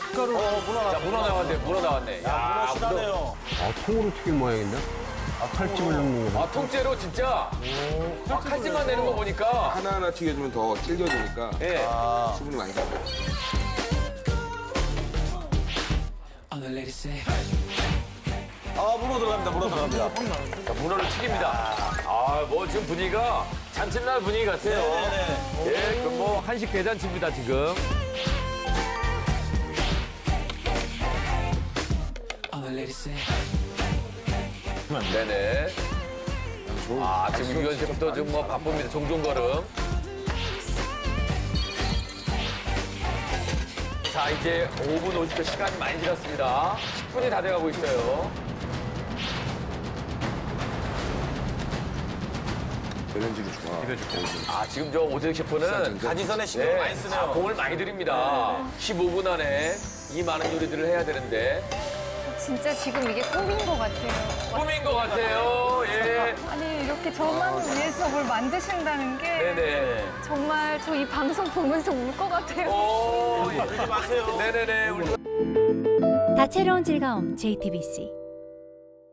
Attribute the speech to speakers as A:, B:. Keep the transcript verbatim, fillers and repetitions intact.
A: 밀가루.
B: 어, 문어 나왔네.
C: 자, 문어 나왔네, 문어 나왔네.
B: 야, 문어 실하네요.
D: 아, 통으로 튀긴 모양인데? 아, 칼집을 넣는 거 봐.
C: 아, 통째로 진짜. 아, 칼집만 내는 거 보니까.
E: 하나하나 튀겨주면 더 질겨지니까
C: 예.
B: 아,
E: 수분이 많이 잡혀요.
B: 아, 문어 들어갑니다. 문어 들어갑니다.
C: 자, 문어를 튀깁니다. 아, 뭐 지금 분위기가 잔칫날 분위기 같아요.
B: 네네.
C: 예, 그 뭐 한식 대잔치입니다, 지금. 네네. 아, 지금 유현 셰프도 지금 뭐 바쁩니다. 종종걸음. 자, 이제 오 분 오십 초 시간이 많이 지났습니다. 십 분이 다 돼가고 있어요.
E: 대전지기 좋아.
C: 아, 지금 저 오재석 셰프는
B: 가지선에 신경 많이 쓰네요.
C: 아, 공을 많이 들입니다. 십오 분 안에 이 많은 요리들을 해야 되는데
F: 진짜 지금 이게 꿈인 것 같아요.
C: 꿈인 것 같아요. 예.
F: 아니 이렇게 저만 위해서 뭘 만드신다는 게
C: 네네.
F: 정말 저 이 방송 보면서 울 것 같아요.
C: 오, 예.
B: 울지 마세요.
C: 네네네. 우리
G: 다채로운 즐거움 제이티비씨